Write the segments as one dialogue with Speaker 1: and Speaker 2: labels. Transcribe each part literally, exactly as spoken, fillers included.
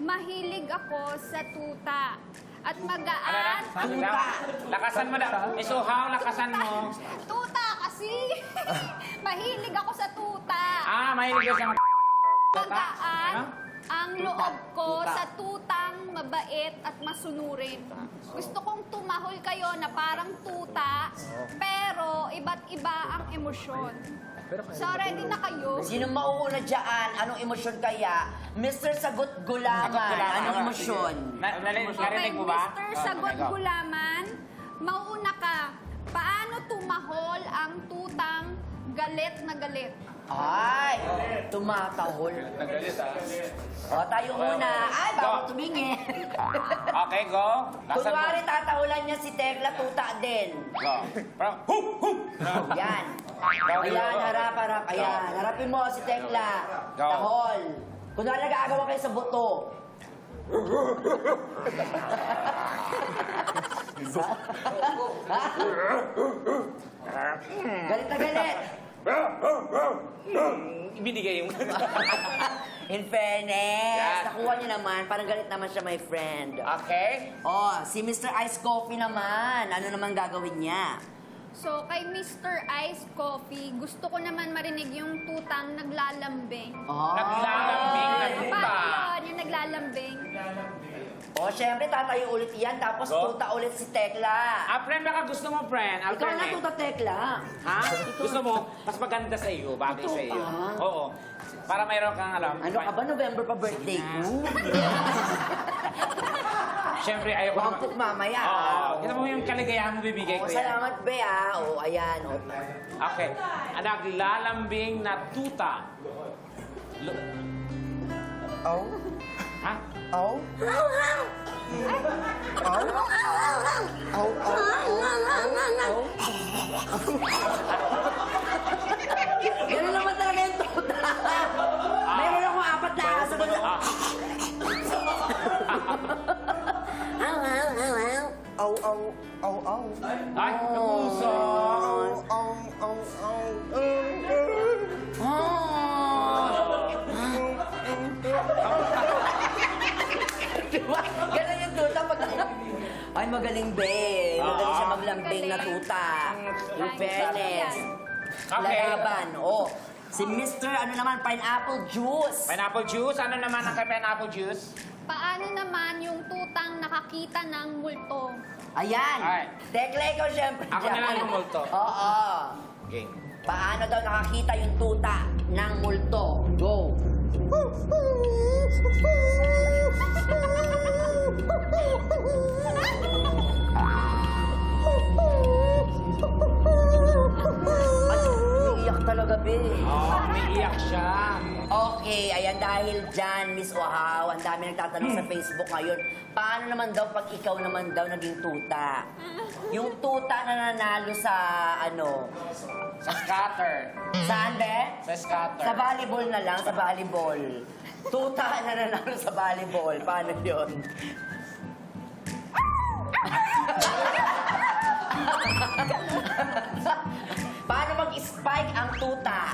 Speaker 1: Mahilig ako sa tuta. At
Speaker 2: Ano
Speaker 1: magaan.
Speaker 2: na? Tuta. Lakasan mo na. Miss Uhaw, lakasan mo.
Speaker 1: Tuta kasi. Mahilig ako sa tuta.
Speaker 2: Ah, mahilig ka sa mga
Speaker 1: Magaan
Speaker 2: Ano?
Speaker 1: ang loob ko
Speaker 3: Tuta.
Speaker 1: sa tutang mabait at masunurin. Gusto kong tumahol kayo na parang tuta, pero iba't iba ang emosyon. So, ready na kayo?
Speaker 3: Sino mauuna dyan? Anong emosyon kaya? Mister Sagot Gulaman,
Speaker 2: Sagot Gulaman.
Speaker 3: anong emosyon?
Speaker 2: Na, narinig,
Speaker 1: Okay,
Speaker 2: narinig mo ba?
Speaker 1: Mister
Speaker 2: Oh,
Speaker 1: Sagot
Speaker 2: okay, go.
Speaker 1: Gulaman, mauuna ka. Paano tumahol ang tutang galit na galit?
Speaker 3: Ay, tumatahol.
Speaker 2: Nagalit ah.
Speaker 3: O, tayo muna. Ay, bawal tumingin.
Speaker 2: Okay, go. Lakasan mo.
Speaker 3: Kunwari, tatahulan niya si Tekla, tuta din.
Speaker 2: Go. Parang, hu, hu.
Speaker 3: Yan. Ayan, harap, harap. Ayan, harapin mo si Tekla.
Speaker 2: Go.
Speaker 3: Tahol. Kunwari, nag-aagawa kayo sa buto. Galit na galit.
Speaker 2: Ibinigay yung...
Speaker 3: In fairness,
Speaker 2: Yan.
Speaker 3: nakuha niyo naman. Parang galit naman siya, my friend.
Speaker 2: Okay.
Speaker 3: Oh, si Mister Ice Coffee naman. Ano naman gagawin niya?
Speaker 1: So, kay Mister Ice Coffee, gusto ko naman marinig yung tutang naglalambing.
Speaker 3: Oh.
Speaker 2: Naglalambing na
Speaker 1: Paano
Speaker 2: tuta.
Speaker 1: yun, yung naglalambing?
Speaker 3: Oh, syempre, tatayo ulit yan. Tapos
Speaker 2: Go.
Speaker 3: tuta ulit si Tekla.
Speaker 2: Ah, friend, baka gusto mo, friend.
Speaker 3: Ikaw na
Speaker 2: Alternate.
Speaker 3: tuta, Tekla.
Speaker 2: Ha? Gusto mo? Mas maganda sa iyo, bagay
Speaker 3: Ito
Speaker 2: sa iyo.
Speaker 3: pa.
Speaker 2: Oo. Para mayroon kang alam.
Speaker 3: Ano ka ba? November pa birthday ko.
Speaker 2: Siyempre, ayaw ko naman.
Speaker 3: Wampok mamaya.
Speaker 2: Oo. Kita mo yung kaligayahan mo bibigay
Speaker 3: Oh,
Speaker 2: ko yan.
Speaker 3: salamat, Be, ah. Oh, ayan. Oh.
Speaker 2: Okay. Ang naglalambing na tuta. Lo-
Speaker 4: Oh,
Speaker 2: ha?
Speaker 4: oh, oh, oh,
Speaker 3: Ganun naman talaga yung tuta. Mayroon akong apat na aso. Ganun.
Speaker 2: Ah.
Speaker 4: oh, oh, oh, oh,
Speaker 2: Ay, napuso.
Speaker 4: oh, oh, oh, oh.
Speaker 3: Diba? Ganun yung tuta pag... Ay, magaling, Be. Magaling siya maglambing na tuta. In fairness.
Speaker 2: Okay.
Speaker 3: Lalaban. Oh, si Mister ano naman, pineapple juice.
Speaker 2: Pineapple juice? Ano naman ang kay pineapple juice?
Speaker 1: Paano naman yung tutang nakakita ng multo?
Speaker 3: Ayan.
Speaker 2: Ay.
Speaker 3: Tekla, ikaw syempre.
Speaker 2: Ako na
Speaker 3: dyan.
Speaker 2: lang yung multo.
Speaker 3: Oo.
Speaker 2: Okay.
Speaker 3: Paano daw nakakita yung tuta ng multo? Go. Ay, umiiyak talaga, Be.
Speaker 2: Oh, may iyak siya.
Speaker 3: Okay, ayan dahil dyan, Miss Ohaw, ang dami nagtatanong sa Facebook ngayon, paano naman daw pag ikaw naman daw naging tuta? Yung tuta na nanalo sa, ano,
Speaker 2: Sa scatter.
Speaker 3: saan, Be?
Speaker 2: Sa scatter.
Speaker 3: Sa volleyball na lang, sa volleyball. Tuta na nanalo sa volleyball. Paano yun? Paano mag-spike ang tuta?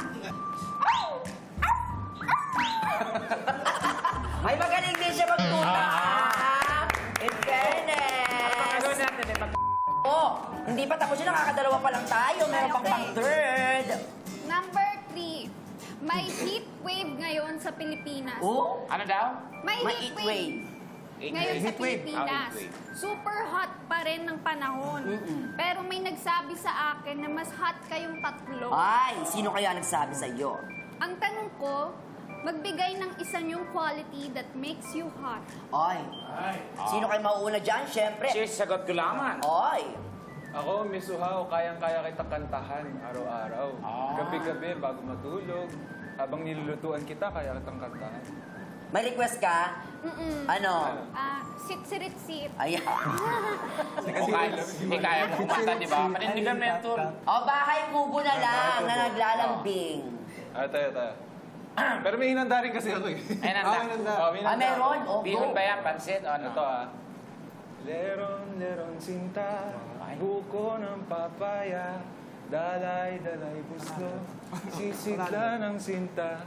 Speaker 3: Ay, magaling din siya magtuta. In fairness.
Speaker 2: Pagkagawin natin eh. Pag...
Speaker 3: Oh, hindi pa tapos yun. Nakakadalawa pa lang tayo. Meron pang pang third.
Speaker 1: Number three, may heat wave ngayon sa Pilipinas.
Speaker 3: Oh,
Speaker 2: Ano daw?
Speaker 1: May
Speaker 3: may
Speaker 1: heat
Speaker 3: heat
Speaker 1: wave.
Speaker 3: wave.
Speaker 1: Ngayon sa
Speaker 2: Heat wave.
Speaker 1: Pilipinas,
Speaker 2: Ah, heat wave.
Speaker 1: super hot pa rin ng panahon. Pero may nagsabi sa akin na mas hot kayong tatlo.
Speaker 3: Ay, sino kaya nagsabi sa iyo?
Speaker 1: Ang tanong ko, magbigay ng isa yung quality that makes you hot.
Speaker 3: Ay, sino kayo mauuna dyan? Siyempre.
Speaker 2: Cheers, sagot ko laman.
Speaker 3: Ay,
Speaker 5: Ako, Miss Uhaw, kayang-kaya kita kantahan araw-araw.
Speaker 2: Ah.
Speaker 5: Gabi-gabi, bago matulog. Habang nilulutuan kita, kaya kitang kantahan.
Speaker 3: may request ka?
Speaker 1: Mm-mm.
Speaker 3: Ano?
Speaker 1: Ah, sit-sit-sit.
Speaker 3: Ayan.
Speaker 2: Kung kaya, hindi kaya mo kumanta, di ba? Panindigan mo yung tour.
Speaker 3: O, bahay kubo na lang na naglalambing.
Speaker 5: Ah, tayo, tayo. Pero may hinanda rin kasi ako eh.
Speaker 2: May hinanda.
Speaker 5: Ah, may hinanda. Oh, may
Speaker 3: Ah,
Speaker 5: hinanda
Speaker 3: meron?
Speaker 5: ako.
Speaker 3: O,
Speaker 2: Bihon
Speaker 3: go.
Speaker 2: ba yan? Pansit? O ano?
Speaker 5: Ito ah. Leron, leron, sinta, buko ng papaya, dalay, dalay, gusto, sisigla ng sinta,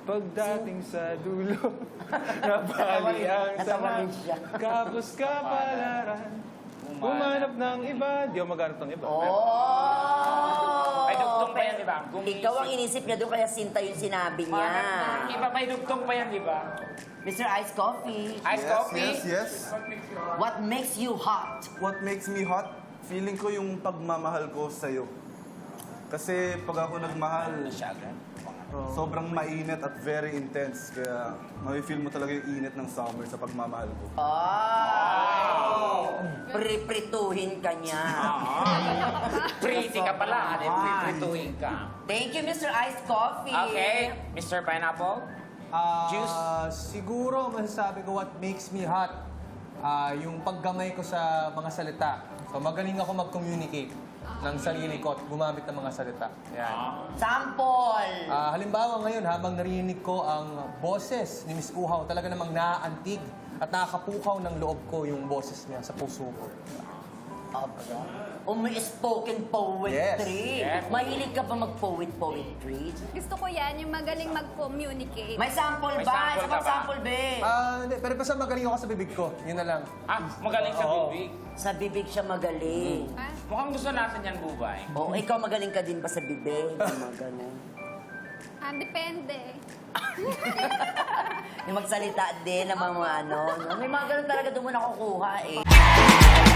Speaker 5: Pagdating sa dulo, nabali ang
Speaker 3: Natawa rin
Speaker 5: tanang.
Speaker 3: siya.
Speaker 5: Kapos kapalaran, humanap ng iba. Di ako maghanap ng iba.
Speaker 3: Oh!
Speaker 2: May dugtong pa yan, di ba? Gumisip.
Speaker 3: Ikaw ang inisip niya doon, kaya Sinta yung sinabi niya.
Speaker 2: Iba, may dugtong pa yan, di ba?
Speaker 3: Mister Ice Coffee,
Speaker 2: Ice
Speaker 4: Yes,
Speaker 2: coffee?
Speaker 4: yes, yes.
Speaker 3: what makes you hot?
Speaker 4: What makes me hot? Feeling ko yung pagmamahal ko sa'yo. Kasi pag ako nagmahal, sobrang mainit at very intense. Kaya ma-feel mo talaga yung init ng summer sa pagmamahal ko.
Speaker 3: Oh! Priprituhin ka niya.
Speaker 2: Pretty ka pala, di ba? Prituhin ka.
Speaker 3: Thank you, Mister Ice Coffee.
Speaker 2: Okay, Mister Pineapple?
Speaker 6: Ah,
Speaker 2: Juice?
Speaker 6: Siguro masasabi ko what makes me hot, ah, yung paggamay ko sa mga salita. So magaling ako mag-communicate ng sarili ko at gumamit ng mga salita. Yan.
Speaker 3: Sample.
Speaker 6: Ah, halimbawa ngayon, habang narinig ko ang boses ni Miss Uhaw, talaga namang naaantig at nakakapukaw ng loob ko yung boses niya sa puso ko.
Speaker 3: Umi-spoken poetry.
Speaker 2: Yes. Yes.
Speaker 3: Mahilig ka ba mag-poet-poetry?
Speaker 1: Gusto ko yan, yung magaling mag-communicate.
Speaker 3: May sample
Speaker 2: May
Speaker 3: ba?
Speaker 2: sample
Speaker 3: Isa
Speaker 2: ka
Speaker 3: pang
Speaker 2: ba?
Speaker 3: sample, be.
Speaker 6: Ah, hindi, pero basta magaling ako sa bibig ko. Yun na lang.
Speaker 2: Ah, magaling sa bibig.
Speaker 3: Sa bibig siya magaling.
Speaker 1: Ha?
Speaker 2: Mukhang gusto natin yan, Bubay.
Speaker 3: Oo, ikaw magaling ka din ba sa bibig? Mga ganun.
Speaker 1: Ah, depende.
Speaker 3: Yung magsalita din ng mga ano. no? May mga ganun talaga doon mo nakukuha eh.